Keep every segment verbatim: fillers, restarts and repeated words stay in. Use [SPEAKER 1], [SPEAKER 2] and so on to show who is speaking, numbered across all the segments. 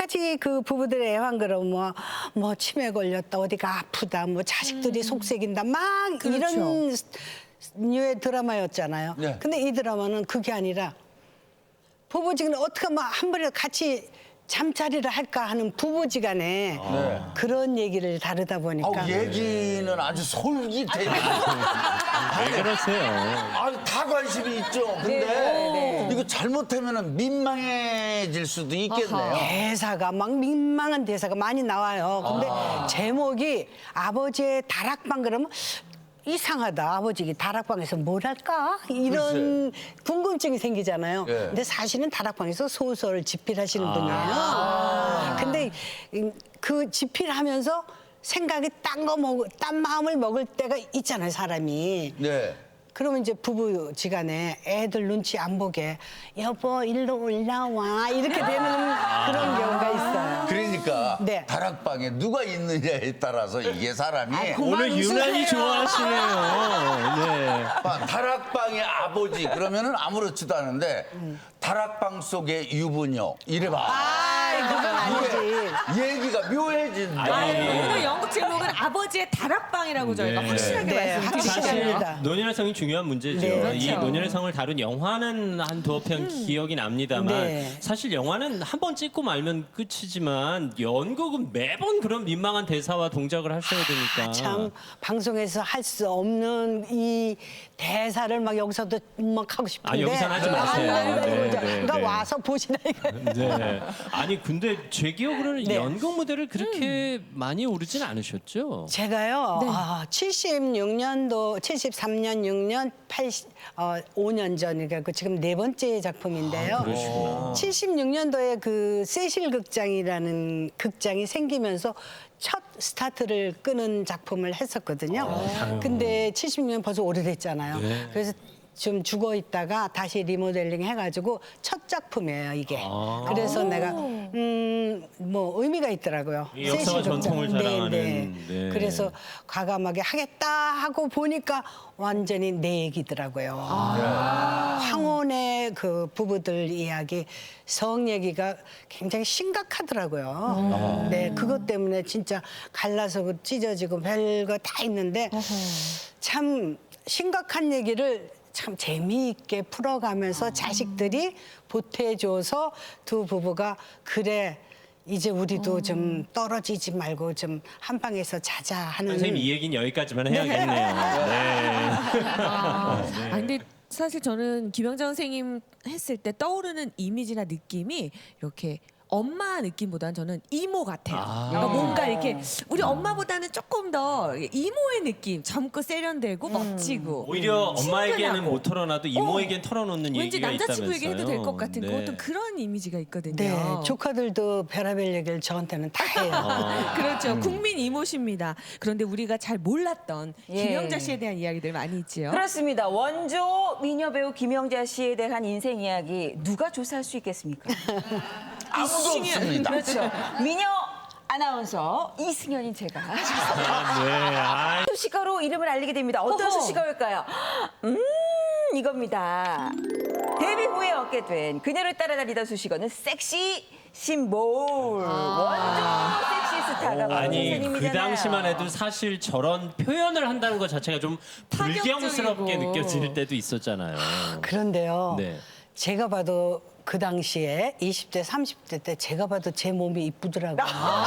[SPEAKER 1] 가지 그 부부들의 애환그럼 뭐, 뭐 치매 걸렸다, 어디가 아프다, 뭐 자식들이
[SPEAKER 2] 음.
[SPEAKER 1] 속색인다, 막
[SPEAKER 2] 그렇죠.
[SPEAKER 1] 이런 류의 드라마였잖아요.
[SPEAKER 3] 네.
[SPEAKER 1] 근데 이 드라마는 그게 아니라 부부지간에 어떻게 하면 한 번에 같이 잠자리를 할까 하는 부부지간에
[SPEAKER 3] 네.
[SPEAKER 1] 그런 얘기를 다루다 보니까
[SPEAKER 3] 아우, 얘기는 아주 솔깃해요.
[SPEAKER 4] 왜 그러세요?
[SPEAKER 3] 아, 다 관심이 있죠. 근데 이거 잘못하면 민망해질 수도 있겠네요.
[SPEAKER 1] 대사가 막 민망한 대사가 많이 나와요. 근데 제목이 아버지의 다락방 그러면 이상하다. 아버지 다락방에서 뭘 할까? 이런 궁금증이 생기잖아요.
[SPEAKER 3] 예.
[SPEAKER 1] 근데 사실은 다락방에서 소설 집필하시는 분이에요. 근데 그 집필하면서 생각이 딴 거 먹, 딴 마음을 먹을 때가 있잖아요, 사람이.
[SPEAKER 3] 네.
[SPEAKER 1] 그러면 이제 부부지간에 애들 눈치 안 보게 여보 일로 올라와 이렇게 되는 그런 경우가 있어요.
[SPEAKER 3] 그러니까
[SPEAKER 1] 네.
[SPEAKER 3] 다락방에 누가 있느냐에 따라서 이게 사람이
[SPEAKER 4] 오늘 유난히 좋아하시네요. 네.
[SPEAKER 3] 아, 다락방의 아버지 그러면은 아무렇지도 않은데 다락방 속의 유부녀 이래봐.
[SPEAKER 1] 아, 그건 아니지.
[SPEAKER 3] 얘기가 묘해진다.
[SPEAKER 4] 아니,
[SPEAKER 2] 오늘 연극 제목은 아버지의 다락방이라고 저희가
[SPEAKER 4] 네.
[SPEAKER 2] 확실하게
[SPEAKER 1] 네,
[SPEAKER 2] 말씀드리잖아요.
[SPEAKER 4] 사실
[SPEAKER 1] 확실합니다.
[SPEAKER 4] 논현의 성이 중요한 문제죠.
[SPEAKER 1] 네,
[SPEAKER 4] 이
[SPEAKER 2] 그렇죠.
[SPEAKER 4] 논현의 성을 다룬 영화는 한 두어 편 기억이 납니다만
[SPEAKER 1] 네.
[SPEAKER 4] 사실 영화는 한 번 찍고 말면 끝이지만 연극은 매번 그런 민망한 대사와 동작을 하셔야 되니까.
[SPEAKER 1] 참 방송에서 할 수 없는 이 대사를 막 여기서도 막 하고 싶은데
[SPEAKER 4] 아, 여기서는 하지 마세요.
[SPEAKER 1] 아, 네,
[SPEAKER 4] 네,
[SPEAKER 1] 네,
[SPEAKER 4] 네,
[SPEAKER 1] 누가
[SPEAKER 4] 네.
[SPEAKER 1] 와서 보시나 이거.
[SPEAKER 4] 네. 아니 근데 제 기억으로는
[SPEAKER 1] 네.
[SPEAKER 4] 연극 무대를 그렇게 많이 오르진 않으셨죠?
[SPEAKER 1] 제가요,
[SPEAKER 2] 네.
[SPEAKER 1] 아, 칠십육 년도, 칠십삼 년, 육 년, 팔십, 어, 오 년 전이니까 그 지금 네 번째 작품인데요.
[SPEAKER 4] 아, 그러시구나.
[SPEAKER 1] 칠십육 년도에 그 세실 극장이라는 극장이 생기면서 첫 스타트를 끄는 작품을 했었거든요. 근데 칠십육 년 벌써 오래됐잖아요.
[SPEAKER 4] 네.
[SPEAKER 1] 그래서 좀 죽어 있다가 다시 리모델링 해가지고 첫 작품이에요, 이게.
[SPEAKER 4] 아.
[SPEAKER 1] 그래서 내가, 음, 뭐 의미가 있더라고요.
[SPEAKER 4] 이 역사와
[SPEAKER 1] 세실 극장.
[SPEAKER 4] 전통을
[SPEAKER 1] 네,
[SPEAKER 4] 자랑하는,
[SPEAKER 1] 네.
[SPEAKER 4] 네.
[SPEAKER 1] 그래서 과감하게 하겠다 하고 보니까 완전히 내 얘기더라고요. 황혼의 그 부부들 이야기, 성 얘기가 굉장히 심각하더라고요. 네, 그것 때문에 진짜 갈라서 그 찢어지고 별거 다 있는데 참 심각한 얘기를 참 재미있게 풀어가면서 자식들이 보태줘서 두 부부가 그래 이제 우리도 좀 떨어지지 말고 좀 한 방에서 자자 하는.
[SPEAKER 4] 선생님 이 얘기는 여기까지만 해야겠네요. 네.
[SPEAKER 2] 아, 아, 근데 사실 저는 김영자 선생님 했을 때 떠오르는 이미지나 느낌이 이렇게 엄마 느낌보다는 저는 이모 같아요.
[SPEAKER 4] 아.
[SPEAKER 2] 그러니까 뭔가 이렇게 우리 엄마보다는 조금 더 이모의 느낌, 젊고 세련되고 멋지고.
[SPEAKER 4] 오히려 엄마에게는
[SPEAKER 2] 친근하고.
[SPEAKER 4] 못 털어놔도 이모에겐 털어놓는
[SPEAKER 2] 왠지
[SPEAKER 4] 얘기가
[SPEAKER 2] 남자친구에게
[SPEAKER 4] 있다면서요.
[SPEAKER 2] 해도 될 것 같은
[SPEAKER 4] 네.
[SPEAKER 2] 어떤 그런 이미지가 있거든요.
[SPEAKER 1] 네, 조카들도 별의별 얘기를 저한테는 다 해요.
[SPEAKER 2] 그렇죠. 국민 이모십니다. 그런데 우리가 잘 몰랐던
[SPEAKER 5] 예.
[SPEAKER 2] 김영자 씨에 대한 이야기들 많이 있지요.
[SPEAKER 5] 그렇습니다. 원조 미녀 배우 김영자 씨에 대한 인생 이야기 누가 조사할 수 있겠습니까?
[SPEAKER 3] 아무도 없습니다.
[SPEAKER 5] 그렇죠. 미녀 아나운서 이승연인 제가
[SPEAKER 4] 아, 네. 아,
[SPEAKER 5] 수식어로 이름을 알리게 됩니다. 어떤
[SPEAKER 2] 어허.
[SPEAKER 5] 수식어일까요? 음, 이겁니다. 데뷔 후에 얻게 된 그녀를 따라다니던 수식어는 섹시 심볼. 원조 섹시 스타가
[SPEAKER 4] 아니 그
[SPEAKER 5] 선생님이잖아요.
[SPEAKER 4] 당시만 해도 사실 저런 표현을 한다는 것 자체가 좀 불경스럽게
[SPEAKER 2] 파격적이고.
[SPEAKER 4] 느껴질 때도 있었잖아요.
[SPEAKER 1] 그런데요.
[SPEAKER 4] 네.
[SPEAKER 1] 제가 봐도 그 당시에 이십 대, 삼십 대 때 제가 봐도 제 몸이 이쁘더라고요.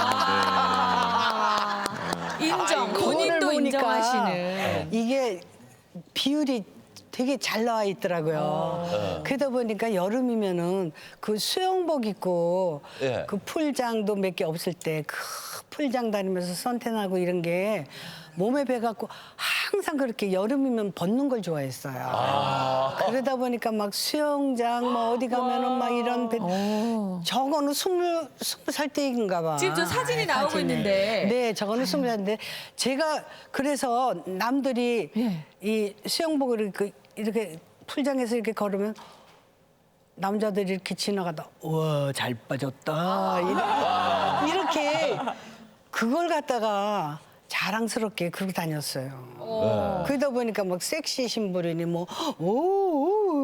[SPEAKER 2] 인정.
[SPEAKER 1] 그거를
[SPEAKER 2] 본인도
[SPEAKER 1] 보니까
[SPEAKER 2] 인정하시는.
[SPEAKER 1] 이게 비율이 되게 잘 나와 있더라고요. 그러다 보니까 여름이면은 그 수영복 입고
[SPEAKER 3] 예.
[SPEAKER 1] 그 풀장도 몇 개 없을 때 그 풀장 다니면서 선탠하고 이런 게 몸에 배갖고 항상 그렇게 여름이면 벗는 걸 좋아했어요. 그러다 보니까 막 수영장 뭐 어디 가면은 막 이런 배, 저거는 스물 스무 살 때인가 봐.
[SPEAKER 2] 지금 저 사진이 나오고
[SPEAKER 1] 사진에.
[SPEAKER 2] 있는데.
[SPEAKER 1] 네, 저거는 스무 살인데 제가 그래서 남들이
[SPEAKER 2] 예.
[SPEAKER 1] 이 수영복을 이렇게, 이렇게 풀장에서 이렇게 걸으면 남자들이 이렇게 지나가다 우와 잘 빠졌다 이렇게, 이렇게 그걸 갖다가 자랑스럽게 그러고 다녔어요. 그러다 보니까 막 섹시 신부리니 뭐 오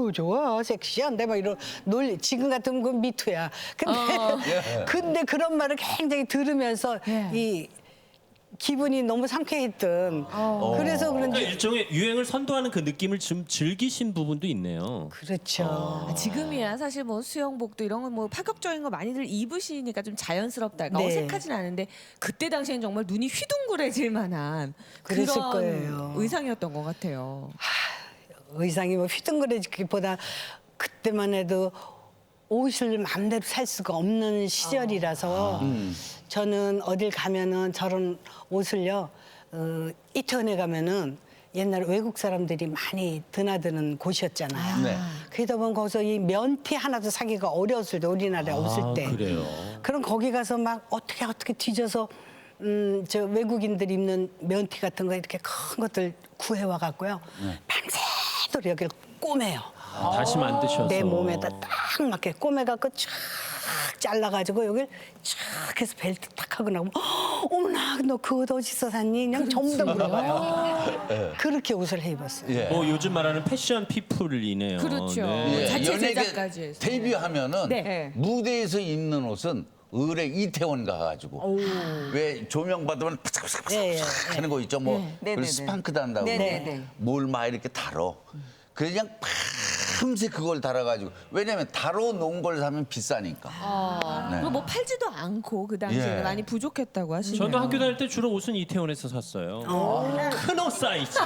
[SPEAKER 1] 어우 좋아 섹시한데 막 이런 논리 지금 같으면 그건 미투야. 근데 근데 그런 말을 굉장히 들으면서
[SPEAKER 2] 예.
[SPEAKER 1] 이 기분이 너무 상쾌했던. 그래서
[SPEAKER 4] 그러니까
[SPEAKER 1] 그런지
[SPEAKER 4] 일종의 유행을 선도하는 그 느낌을 좀 즐기신 부분도 있네요.
[SPEAKER 1] 그렇죠.
[SPEAKER 2] 아, 지금이야 사실 뭐 수영복도 이런 거 뭐 파격적인 거 많이들 입으시니까 좀 자연스럽달까
[SPEAKER 1] 네.
[SPEAKER 2] 어색하진 않은데 그때 당시엔 정말 눈이 휘둥그레질 만한
[SPEAKER 1] 그랬을
[SPEAKER 2] 그런
[SPEAKER 1] 거예요.
[SPEAKER 2] 의상이었던 것 같아요.
[SPEAKER 1] 의상이 뭐 휘둥그레지기보다 그때만 해도 옷을 마음대로 살 수가 없는 시절이라서 저는 어딜 가면은 저런 옷을요 어, 이태원에 가면은 옛날에 외국 사람들이 많이 드나드는 곳이었잖아요.
[SPEAKER 3] 네.
[SPEAKER 1] 그러다 보면 거기서 이 면티 하나도 사기가 어려웠을 때 우리나라에 없을
[SPEAKER 4] 아,
[SPEAKER 1] 때.
[SPEAKER 4] 그래요.
[SPEAKER 1] 그럼 거기 가서 막 어떻게 어떻게 뒤져서 음, 저 외국인들 입는 면티 같은 거 이렇게 큰 것들 구해와 갖고요. 밤새도록 여기를 꼬매요.
[SPEAKER 4] 아, 다시 만드셔서.
[SPEAKER 1] 내 몸에다 딱 맞게 꼬매갖고 쫙 잘라가지고 여길 쫙 해서 벨트 딱 하고 나면 어머나 너 그 옷 어디서 샀니? 그냥 전부 다 물어봐요. 그렇게 옷을 해 입었어요.
[SPEAKER 3] 예.
[SPEAKER 4] 뭐 요즘 말하는 패션 피플이네요.
[SPEAKER 2] 그렇죠.
[SPEAKER 4] 네.
[SPEAKER 3] 예,
[SPEAKER 2] 자체
[SPEAKER 3] 연예계
[SPEAKER 2] 제작까지 해서.
[SPEAKER 3] 데뷔하면은
[SPEAKER 2] 네.
[SPEAKER 3] 무대에서 입는 옷은 의뢰 이태원 가가지고 왜 조명 받으면 파삭파삭
[SPEAKER 1] 예, 예,
[SPEAKER 3] 하는 거 있죠. 뭐
[SPEAKER 5] 네,
[SPEAKER 3] 그리고
[SPEAKER 5] 네,
[SPEAKER 3] 스판크 단다고
[SPEAKER 5] 네, 네, 네.
[SPEAKER 3] 뭘 막 이렇게 달어. 그냥 밤새 그걸 달아가지고 왜냐면 달아 놓은 걸 사면 비싸니까.
[SPEAKER 2] 아,
[SPEAKER 3] 네.
[SPEAKER 2] 그리고 뭐 팔지도 않고 그 당시에
[SPEAKER 3] 예.
[SPEAKER 2] 많이 부족했다고 하시네요.
[SPEAKER 4] 저도 학교 다닐 때 주로 옷은 이태원에서 샀어요. 큰 옷 사이즈.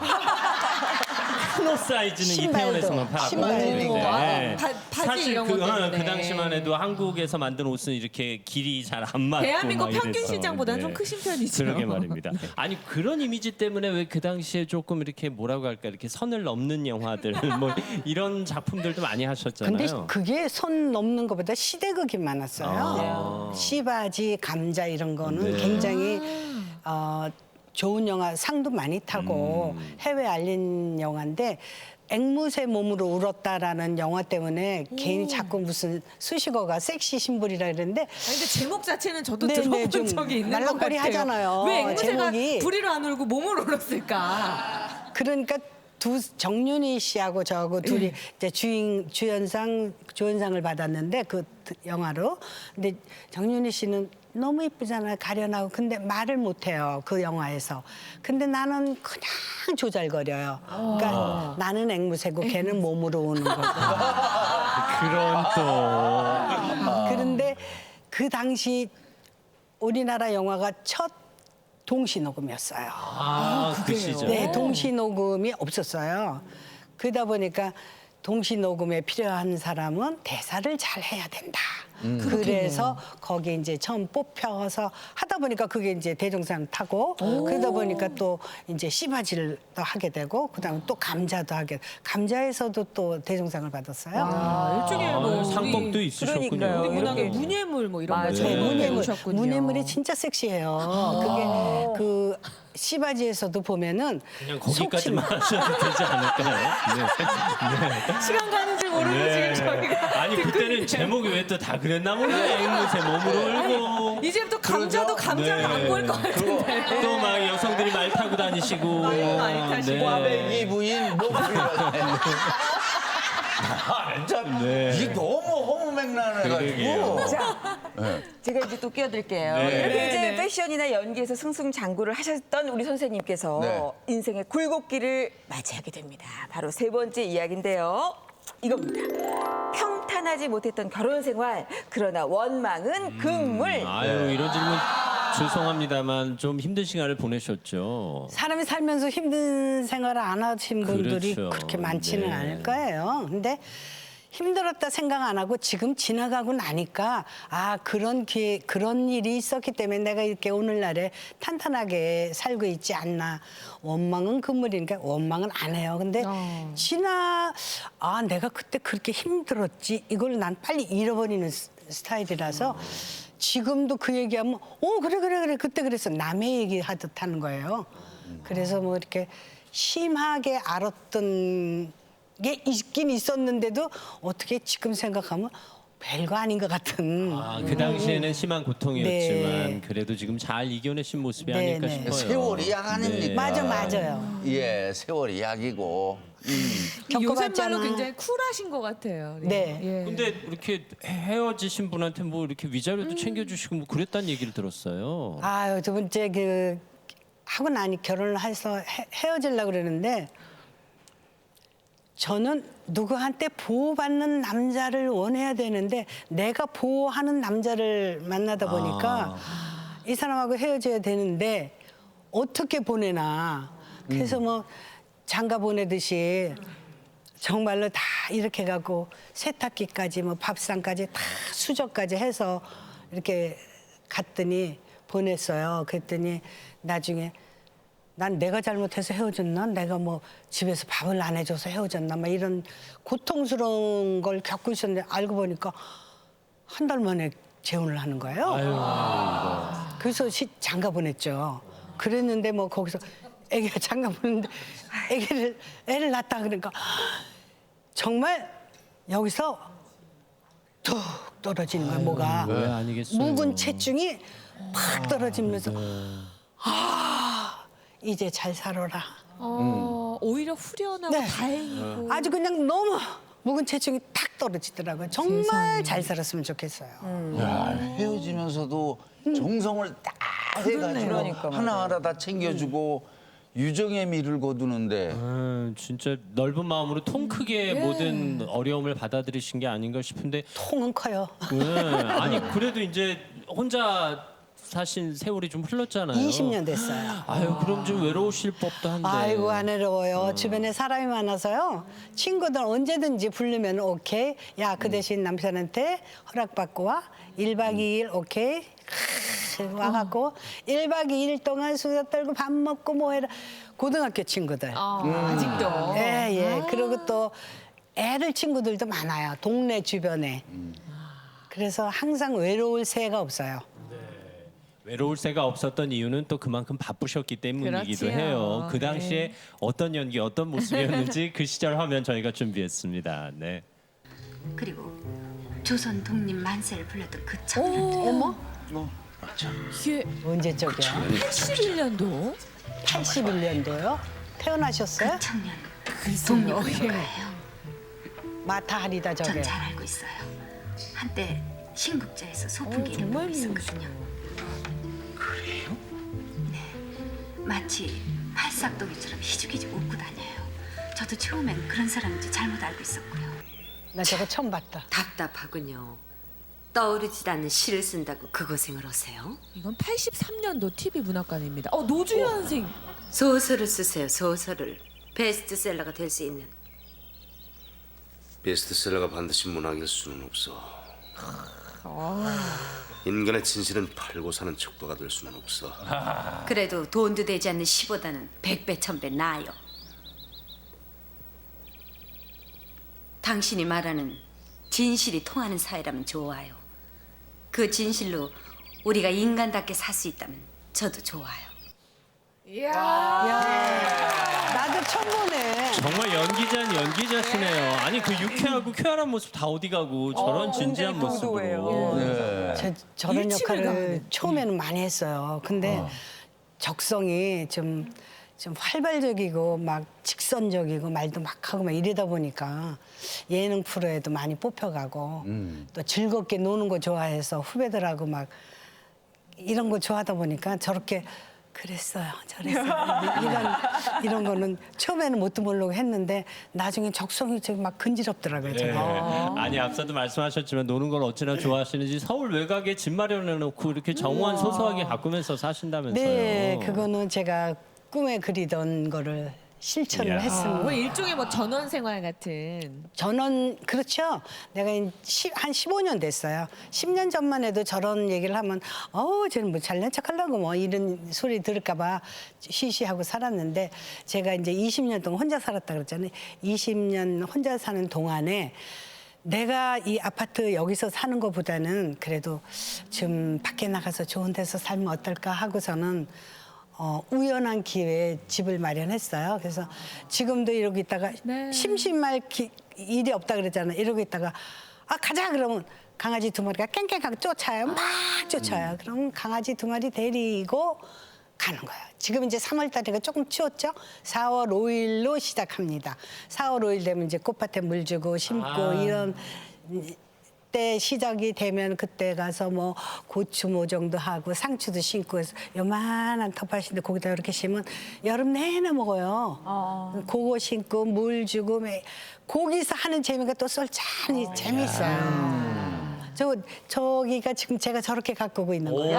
[SPEAKER 4] 큰 옷 사이즈는
[SPEAKER 1] 신발도,
[SPEAKER 4] 이태원에서만 팔았고.
[SPEAKER 1] 신발도.
[SPEAKER 2] 아,
[SPEAKER 4] 네.
[SPEAKER 2] 바- 바지
[SPEAKER 4] 사실
[SPEAKER 2] 이런
[SPEAKER 4] 그,
[SPEAKER 2] 것
[SPEAKER 4] 어,
[SPEAKER 2] 때문에.
[SPEAKER 4] 그 당시만 해도 한국에서 만든 옷은 이렇게 길이 잘 안 맞고
[SPEAKER 2] 대한민국
[SPEAKER 4] 막
[SPEAKER 2] 평균
[SPEAKER 4] 이래서.
[SPEAKER 2] 시장보다는
[SPEAKER 4] 네.
[SPEAKER 2] 좀 크신 편이죠.
[SPEAKER 4] 그러게 말입니다. 아니 그런 이미지 때문에 왜 그 당시에 조금 이렇게 뭐라고 할까 이렇게 선을 넘는 영화들 뭐 이런 작품들도 많이 하셨잖아요.
[SPEAKER 1] 근데 그게 손 넘는 것보다 시대극이 많았어요. 시바지, 감자 이런 거는
[SPEAKER 4] 네.
[SPEAKER 1] 굉장히 어, 좋은 영화 상도 많이 타고
[SPEAKER 4] 음.
[SPEAKER 1] 해외 알린 영화인데 앵무새 몸으로 울었다라는 영화 때문에 괜히 자꾸 무슨 수식어가 섹시 신불이라 그랬는데
[SPEAKER 2] 아니, 근데 제목 자체는 저도
[SPEAKER 1] 네, 네,
[SPEAKER 2] 들어본
[SPEAKER 1] 좀
[SPEAKER 2] 적이 있는 것
[SPEAKER 1] 말랑거리
[SPEAKER 2] 같아요.
[SPEAKER 1] 하잖아요,
[SPEAKER 2] 왜 앵무새가
[SPEAKER 1] 제목이.
[SPEAKER 2] 부리로 안 울고 몸으로 울었을까?
[SPEAKER 1] 그러니까 두 정윤희 씨하고 저하고 둘이 이제 주인 주연상 조연상을 받았는데 그 영화로. 근데 정윤희 씨는 너무 이쁘잖아요. 가련하고. 근데 말을 못 해요. 그 영화에서. 근데 나는 그냥 조잘거려요. 그러니까 나는 앵무새고 걔는 몸으로 우는 거고.
[SPEAKER 4] 그런 또
[SPEAKER 1] 그런데 그 당시 우리나라 영화가 첫 동시 녹음이었어요.
[SPEAKER 4] 아, 그 시절.
[SPEAKER 1] 네, 동시 녹음이 없었어요. 그러다 보니까 동시 녹음에 필요한 사람은 대사를 잘 해야 된다. 그래서 거기 이제 처음 뽑혀서 하다 보니까 그게 이제 대종상 타고 그러다 보니까 또 이제 씨바지를 또 하게 되고 그다음에 또 감자도 하게 감자에서도 또 대종상을 받았어요.
[SPEAKER 2] 아, 일종의
[SPEAKER 4] 아,
[SPEAKER 2] 뭐
[SPEAKER 4] 상복도
[SPEAKER 2] 우리-
[SPEAKER 4] 있으셨군요.
[SPEAKER 5] 그러니까요.
[SPEAKER 2] 우리 문학의
[SPEAKER 5] 이렇게.
[SPEAKER 2] 문예물 뭐 이런
[SPEAKER 5] 맞아요.
[SPEAKER 2] 거
[SPEAKER 1] 네,
[SPEAKER 2] 전부
[SPEAKER 1] 문예물,
[SPEAKER 2] 배우셨군요.
[SPEAKER 1] 문예물이 진짜 섹시해요. 그게 그 씨바지에서도 보면은
[SPEAKER 4] 그냥 거기까지만 하셔도 되지 않을까요? 네.
[SPEAKER 2] 시간 가는 줄 모르고
[SPEAKER 4] 네.
[SPEAKER 2] 지금 저희가
[SPEAKER 4] 아니
[SPEAKER 2] 듣고
[SPEAKER 4] 그때는
[SPEAKER 2] 있네요.
[SPEAKER 4] 제목이 왜 또 다 그랬나 몰라요. 앵무새 몸으로 울고
[SPEAKER 2] 이제부터 감자도 감자가 안 보일 것 같은데.
[SPEAKER 4] 또 막 여성들이 말 타고 다니시고
[SPEAKER 2] 많이 타시고.
[SPEAKER 3] 꽈배기 부인 뭐 아, 참
[SPEAKER 4] 네.
[SPEAKER 3] 이게 너무 허무맹랑해가지고.
[SPEAKER 4] 그러게요.
[SPEAKER 5] 자, 제가 이제 또 끼어들게요.
[SPEAKER 4] 네.
[SPEAKER 5] 이렇게
[SPEAKER 2] 네,
[SPEAKER 5] 이제
[SPEAKER 2] 네.
[SPEAKER 5] 패션이나 연기에서 승승장구를 하셨던 우리 선생님께서
[SPEAKER 3] 네.
[SPEAKER 5] 인생의 굴곡기를 맞이하게 됩니다. 바로 세 번째 이야기인데요. 이겁니다. 평탄하지 못했던 결혼 생활, 그러나 원망은 금물.
[SPEAKER 4] 아유 이런 질문 죄송합니다만 좀 힘든 시간을 보내셨죠.
[SPEAKER 1] 사람이 살면서 힘든 생활을 안 하신 분들이
[SPEAKER 4] 그렇죠.
[SPEAKER 1] 그렇게 많지는
[SPEAKER 4] 네.
[SPEAKER 1] 않을 거예요. 근데 힘들었다 생각 안 하고 지금 지나가고 나니까 아 그런 기회 그런 일이 있었기 때문에 내가 이렇게 오늘날에 탄탄하게 살고 있지 않나. 원망은 금물이니까 원망은 안 해요. 근데
[SPEAKER 2] 어.
[SPEAKER 1] 지나 아 내가 그때 그렇게 힘들었지 이걸 난 빨리 잃어버리는 스- 스타일이라서 지금도 그 얘기하면 어 그래 그래 그래 그때 그랬어 남의 얘기 하듯 하는 거예요. 그래서 뭐 이렇게 심하게 알았던 게 있긴 있었는데도 어떻게 지금 생각하면 별거 아닌 것 같은.
[SPEAKER 4] 아, 그 당시에는 심한 고통이었지만
[SPEAKER 1] 네.
[SPEAKER 4] 그래도 지금 잘 이겨내신 모습이
[SPEAKER 1] 네,
[SPEAKER 4] 아닐까
[SPEAKER 1] 네.
[SPEAKER 4] 싶어요.
[SPEAKER 3] 세월이 약 아닙니까?
[SPEAKER 1] 맞아, 맞아요.
[SPEAKER 3] 예, 세월이 약이고. 음.
[SPEAKER 2] 요새
[SPEAKER 1] 겪어봤잖아.
[SPEAKER 2] 말로 굉장히 쿨하신 것 같아요.
[SPEAKER 1] 네.
[SPEAKER 2] 예.
[SPEAKER 4] 근데 이렇게 헤어지신 분한테 뭐 이렇게 위자료도 챙겨주시고 뭐 그랬다는 얘기를 들었어요.
[SPEAKER 1] 아유, 두 번째 그 하고 나니 결혼을 해서 헤, 헤어지려고 그러는데 저는 누구한테 보호받는 남자를 원해야 되는데 내가 보호하는 남자를 만나다 보니까 이 사람하고 헤어져야 되는데 어떻게 보내나. 그래서 뭐 장가 보내듯이 정말로 다 이렇게 가고 세탁기까지 뭐 밥상까지 다 수저까지 해서 이렇게 갔더니 보냈어요. 그랬더니 나중에 난 내가 잘못해서 헤어졌나? 내가 뭐 집에서 밥을 안 해줘서 헤어졌나? 막 이런 고통스러운 걸 겪고 있었는데 알고 보니까 한 달 만에 재혼을 하는 거예요.
[SPEAKER 4] 아유,
[SPEAKER 1] 그래서 시, 장가 보냈죠. 그랬는데 뭐 거기서 애기가 장가 보냈는데 애기를 애를 낳다 그러니까 정말 여기서 툭 떨어지는 거야 뭐가.
[SPEAKER 4] 왜 아니겠어요?
[SPEAKER 1] 묵은 체중이 팍 떨어지면서 아 이제 잘 살아라.
[SPEAKER 2] 어, 오히려 후련하고
[SPEAKER 1] 네.
[SPEAKER 2] 다행이고.
[SPEAKER 1] 아주 그냥 너무 묵은 체중이 탁 떨어지더라고요. 정말
[SPEAKER 2] 세상에.
[SPEAKER 1] 잘 살았으면 좋겠어요.
[SPEAKER 3] 야, 헤어지면서도 정성을 딱 해가지고
[SPEAKER 5] 그러니까 말이에요.
[SPEAKER 3] 하나하나 다 챙겨주고 유정의 미를 거두는데
[SPEAKER 4] 아, 진짜 넓은 마음으로 통 크게 모든 어려움을 받아들이신 게 아닌가 싶은데
[SPEAKER 1] 통은 커요.
[SPEAKER 4] 네, 아니 그래도 이제 혼자 사신 세월이 좀 흘렀잖아요.
[SPEAKER 1] 이십 년 됐어요.
[SPEAKER 4] 아유 그럼 좀 외로우실 법도 한데.
[SPEAKER 1] 아이고 안 외로워요. 주변에 사람이 많아서요. 친구들 언제든지 부르면 오케이. 야 그 대신 남편한테 허락받고 와. 일 박 이 일 오케이. 크, 와갖고 일 박 이 일 동안 수다 떨고 밥 먹고 뭐 해라. 고등학교 친구들.
[SPEAKER 2] 아, 아직도.
[SPEAKER 1] 예, 예. 그리고 또 애들 친구들도 많아요. 동네 주변에. 그래서 항상 외로울 새가 없어요.
[SPEAKER 4] 외로울 새가 없었던 이유는 또 그만큼 바쁘셨기 때문이기도
[SPEAKER 2] 그렇지요.
[SPEAKER 4] 해요. 그 당시에 어떤 연기, 어떤 모습이었는지 그 시절 화면 저희가 준비했습니다. 네.
[SPEAKER 6] 그리고 조선 독립 만세를 불렀던 그 청년
[SPEAKER 1] 어머?
[SPEAKER 2] 이게
[SPEAKER 1] 언제 쪽이야?
[SPEAKER 2] 팔십일 년도.
[SPEAKER 1] 팔십일 년도요? 태어나셨어요?
[SPEAKER 6] 청년
[SPEAKER 2] 글쎄요.
[SPEAKER 6] 독립을
[SPEAKER 2] 예.
[SPEAKER 6] 거예요.
[SPEAKER 1] 마타 하리다 저게.
[SPEAKER 6] 전 잘 알고 있어요. 한때 신국자에서 소풍기
[SPEAKER 2] 어,
[SPEAKER 6] 이름
[SPEAKER 2] 정말
[SPEAKER 6] 보고 있었거든요. 그래요? 네, 마치 팔싹도기처럼 희죽희죽 웃고 다녀요. 저도 처음엔 그런 사람인지 잘못 알고 있었고요.
[SPEAKER 1] 나 저거 처음 봤다.
[SPEAKER 7] 답답하군요. 떠오르지 않는 시를 쓴다고 그 고생을 하세요?
[SPEAKER 2] 이건 팔십삼 년도 티비 문학관입니다. 어, 노주현 선생.
[SPEAKER 7] 소설을 쓰세요. 소설을. 베스트셀러가 될 수 있는.
[SPEAKER 8] 베스트셀러가 반드시 문학일 수는 없어. 인간의 진실은 팔고 사는 척도가 될 수는 없어.
[SPEAKER 7] 그래도 돈도 되지 않는 시보다는 백배 천배 나아요. 당신이 말하는 진실이 통하는 사회라면 좋아요. 그 진실로 우리가 인간답게 살 수 있다면 저도 좋아요.
[SPEAKER 1] 나도 처음 보네.
[SPEAKER 4] 정말 연기자는 연기자시네요. 아니 그 유쾌하고 쾌활한 모습 다 어디 가고 저런 진지한
[SPEAKER 5] 굉장히
[SPEAKER 4] 모습으로.
[SPEAKER 3] 네.
[SPEAKER 1] 저, 저런
[SPEAKER 2] 일침을
[SPEAKER 1] 역할을
[SPEAKER 2] 가하네.
[SPEAKER 1] 처음에는 많이 했어요. 근데 적성이 좀, 좀 활발적이고 막 직선적이고 말도 막 하고 막 이러다 보니까 예능 프로에도 많이 뽑혀가고 또 즐겁게 노는 거 좋아해서 후배들하고 막 이런 거 좋아하다 보니까 저렇게 그랬어요, 저랬어요. 이런, 이런 거는 처음에는 뭣도 모르고 했는데 나중에 적성이 저기 막 근지럽더라고요. 저게.
[SPEAKER 4] 네. 아니 앞서도 말씀하셨지만 노는 걸 어찌나 좋아하시는지 서울 외곽에 집 마련해 놓고 이렇게 정원 소소하게 가꾸면서 사신다면서요.
[SPEAKER 1] 네, 그거는 제가 꿈에 그리던 거를 실천을
[SPEAKER 4] 이야.
[SPEAKER 1] 했습니다.
[SPEAKER 2] 뭐 일종의 뭐 전원 생활 같은.
[SPEAKER 1] 저는 그렇죠. 내가 시- 한 십오 년 됐어요. 십 년 전만 해도 저런 얘기를 하면 어우 쟤는 뭐 잘난 척하려고 뭐 이런 소리 들을까 봐 시시하고 살았는데 제가 이제 이십 년 동안 혼자 살았다 그랬잖아요. 이십 년 혼자 사는 동안에 내가 이 아파트 여기서 사는 것보다는 그래도 좀 밖에 나가서 좋은 데서 살면 어떨까 하고서는 어, 우연한 기회에 집을 마련했어요. 그래서 지금도 이러고 있다가
[SPEAKER 2] 네.
[SPEAKER 1] 심심할 기, 일이 없다 그랬잖아요. 이러고 있다가 아 가자 그러면 강아지 두 마리가 깽깽하게 쫓아요. 막 쫓아요. 그럼 강아지 두 마리 데리고 가는 거예요. 지금 이제 삼월 달이니까 조금 추웠죠? 사월 오일로 시작합니다. 사월 오일 되면 이제 꽃밭에 물 주고 심고
[SPEAKER 4] 아.
[SPEAKER 1] 이런 때 시작이 되면 그때 가서 뭐 고추 모종도 하고 상추도 심고 해서 요만한 텃밭인데 거기다 이렇게 심으면 여름 내내 먹어요. 그거 심고 물 주고 매- 거기서 하는 재미가 또 쏠짠히 재밌어요. 저 저기가 지금 제가 저렇게 가꾸고 있는 거예요.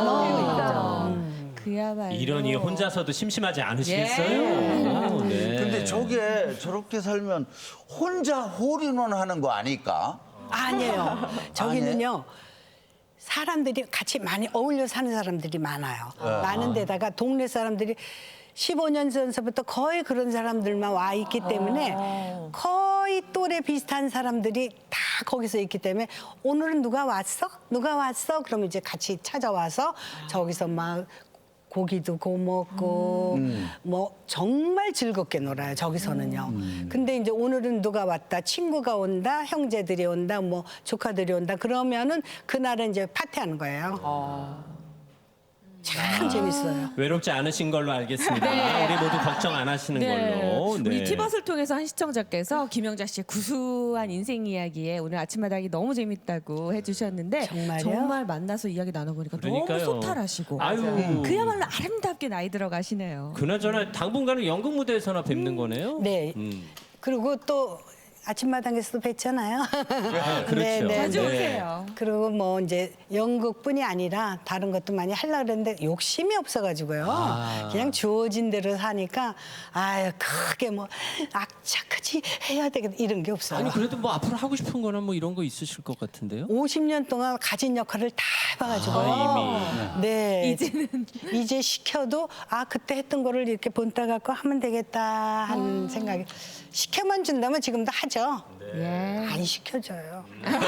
[SPEAKER 1] 너무
[SPEAKER 2] 그야말로
[SPEAKER 4] 이러니 혼자서도 심심하지 않으시겠어요?
[SPEAKER 2] 예.
[SPEAKER 4] 오, 네.
[SPEAKER 3] 근데 저게 저렇게 살면 혼자 홀인원 하는 거 아닐까?
[SPEAKER 1] 아니에요. 저기는요. 사람들이 같이 많이 어울려 사는 사람들이 많아요. 많은 데다가 동네 사람들이 십오 년 전서부터 거의 그런 사람들만 와 있기 때문에 거의 또래 비슷한 사람들이 다 거기서 있기 때문에 오늘은 누가 왔어? 누가 왔어? 그러면 이제 같이 찾아와서 저기서 막 고기도 구워 먹고 뭐 정말 즐겁게 놀아요 저기서는요. 근데 이제 오늘은 누가 왔다, 친구가 온다, 형제들이 온다, 뭐 조카들이 온다 그러면은 그날은 이제 파티하는 거예요. 참 재밌어요.
[SPEAKER 4] 외롭지 않으신 걸로 알겠습니다.
[SPEAKER 2] 네.
[SPEAKER 4] 우리 모두 걱정 안 하시는 걸로.
[SPEAKER 2] 우리 티벗을 통해서 한 시청자께서 김영자 씨의 구수한 인생 이야기에 오늘 아침마당이 너무 재밌다고 해주셨는데
[SPEAKER 1] 정말요?
[SPEAKER 2] 정말 만나서 이야기 나눠보니까 너무
[SPEAKER 4] 그러니까요.
[SPEAKER 2] 소탈하시고
[SPEAKER 4] 아유.
[SPEAKER 2] 그야말로 아름답게 나이 들어가시네요.
[SPEAKER 4] 그나저나 당분간은 연극 무대에서나 뵙는 거네요.
[SPEAKER 1] 네.
[SPEAKER 4] 음.
[SPEAKER 1] 그리고 또 아침마당에서도 뵀잖아요.
[SPEAKER 4] 아, 그렇죠.
[SPEAKER 1] 네, 네,
[SPEAKER 2] 자주
[SPEAKER 1] 네.
[SPEAKER 2] 오세요.
[SPEAKER 1] 그리고 뭐 이제 연극뿐이 아니라 다른 것도 많이 하려고 그랬는데 욕심이 없어가지고요.
[SPEAKER 4] 아.
[SPEAKER 1] 그냥 주어진 대로 사니까 아유 크게 뭐 악착같이 해야 되겠다 이런 게 없어요.
[SPEAKER 4] 아니 그래도 뭐 앞으로 하고 싶은 거나 뭐 이런 거 있으실 것 같은데요?
[SPEAKER 1] 오십 년 동안 가진 역할을 다 해봐가지고
[SPEAKER 4] 아,
[SPEAKER 1] 네
[SPEAKER 2] 이제는
[SPEAKER 1] 이제 시켜도 아 그때 했던 거를 이렇게 본따 갖고 하면 되겠다 하는 생각이 시켜만 준다면 지금도 하죠.
[SPEAKER 2] 예.
[SPEAKER 1] 안 시켜줘요.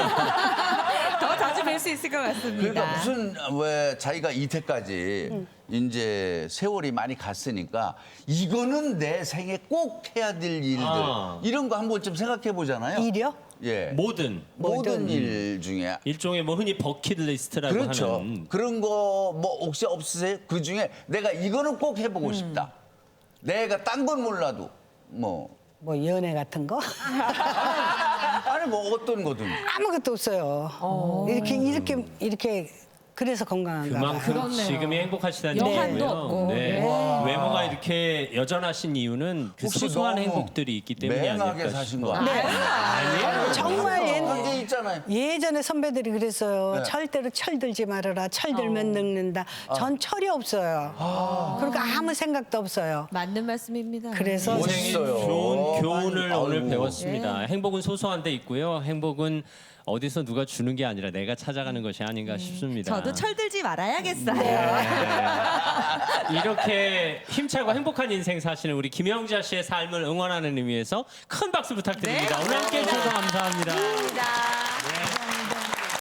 [SPEAKER 2] 더 자주 뵐 수 있을 것 같습니다.
[SPEAKER 3] 그러니까 무슨 왜 자기가 이때까지 이제 세월이 많이 갔으니까 이거는 내 생에 꼭 해야 될 일들
[SPEAKER 4] 아.
[SPEAKER 3] 이런 거 한 번쯤 생각해 보잖아요.
[SPEAKER 1] 일이요?
[SPEAKER 3] 예.
[SPEAKER 4] 뭐든
[SPEAKER 3] 모든 일 중에
[SPEAKER 4] 일종의 뭐 흔히 버킷리스트라고
[SPEAKER 3] 그렇죠.
[SPEAKER 4] 하는
[SPEAKER 3] 그런 거 뭐 혹시 없으세요? 그 중에 내가 이거는 꼭 해보고 싶다. 내가 딴 건 몰라도 뭐
[SPEAKER 1] 뭐 연애 같은 거
[SPEAKER 3] 아니 뭐 어떤 거든.
[SPEAKER 1] 아무것도 없어요. 이렇게 이렇게 이렇게 그래서 건강한가 봐요.
[SPEAKER 4] 그만큼 지금이 행복하시다는
[SPEAKER 2] 여한도
[SPEAKER 4] 얘기고요.
[SPEAKER 2] 없고.
[SPEAKER 4] 네.
[SPEAKER 2] 네.
[SPEAKER 4] 외모가 이렇게 여전하신 이유는 그
[SPEAKER 3] 혹시
[SPEAKER 4] 소소한
[SPEAKER 3] 너무
[SPEAKER 4] 행복들이 있기 때문이
[SPEAKER 3] 맹하게
[SPEAKER 4] 아닐까
[SPEAKER 3] 사신
[SPEAKER 4] 싶어요.
[SPEAKER 3] 거 아니에요?
[SPEAKER 4] 아니에요.
[SPEAKER 1] 정말
[SPEAKER 3] 그런 게
[SPEAKER 1] 옛,
[SPEAKER 3] 있잖아요.
[SPEAKER 1] 예전에 선배들이 그랬어요.
[SPEAKER 3] 네.
[SPEAKER 1] 절대로 철들지 말아라. 철들면 늙는다. 전 철이 없어요. 그러니까 아무 생각도 없어요.
[SPEAKER 2] 맞는 말씀입니다.
[SPEAKER 1] 그래서
[SPEAKER 4] 인생의
[SPEAKER 3] 멋있어요.
[SPEAKER 4] 좋은 교훈을
[SPEAKER 3] 아이고.
[SPEAKER 4] 오늘 배웠습니다. 행복은 소소한 데 있고요. 행복은 어디서 누가 주는 게 아니라 내가 찾아가는 것이 아닌가 싶습니다.
[SPEAKER 2] 저도 철들지 말아야겠어요.
[SPEAKER 4] 네. 이렇게 힘차고 행복한 인생 사시는 우리 김영자 씨의 삶을 응원하는 의미에서 큰 박수 부탁드립니다.
[SPEAKER 2] 네,
[SPEAKER 4] 오늘 함께해 주셔서 감사합니다.
[SPEAKER 2] 감사합니다.